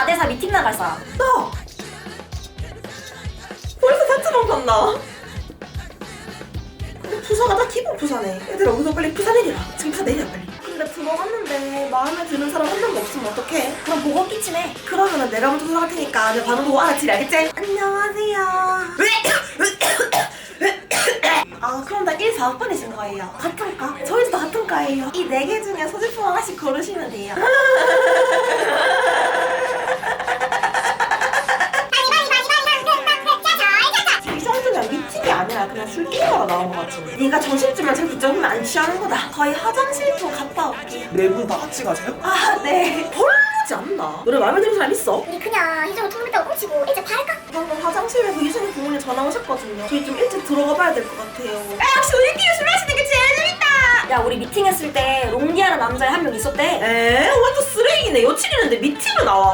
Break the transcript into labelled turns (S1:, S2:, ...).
S1: 회사 미팅 나갈 사람.
S2: 나 벌써 단체방 갔나? 근데 부사가 다 기본 부사네. 얘들아 우리도 빨리 부사 내리라. 지금 다 내려 빨리. 근데 들어갔는데 마음에 드는 사람 한 명도 없으면 어떡해?
S1: 그럼 보고 끼치네.
S2: 그러면은 내가 먼저 들어갈 테니까 내 반응 보고 알아채리 알겠지? 안녕하세요. 아 그럼 다 1, 4학번이신 거예요? 같은 과? 저희도 다 같은 과예요. 이 4개 중에 소지품 하나씩 고르시면 돼요. 이 정도면 미팅이 아니라 그냥 술 게임하러 나온 것 같은데. 네가 점심쯤만 잘 붙잡으면 안 취하는 거다. 저희 화장실도 갔다 올게요.
S3: 네 분 다 같이 가세요?
S2: 아 네. 헐르지 않나? 너네 마음에 드는 사람 있어?
S1: 우리 그냥 희정을 통보했다고 꽁치고 일찍 팔까?
S2: 방금 화장실에서 유진이 부모님 전화 오셨거든요. 저희 좀 일찍 들어가 봐야 될 것 같아요. 야 역시 우리끼리 술 마시는 게 제일 재밌다.
S1: 야 우리 미팅했을 때 롱디하는 남자 한 명 있었대.
S2: 완전 쓰레기네. 여친 있는데 미팅을 나와.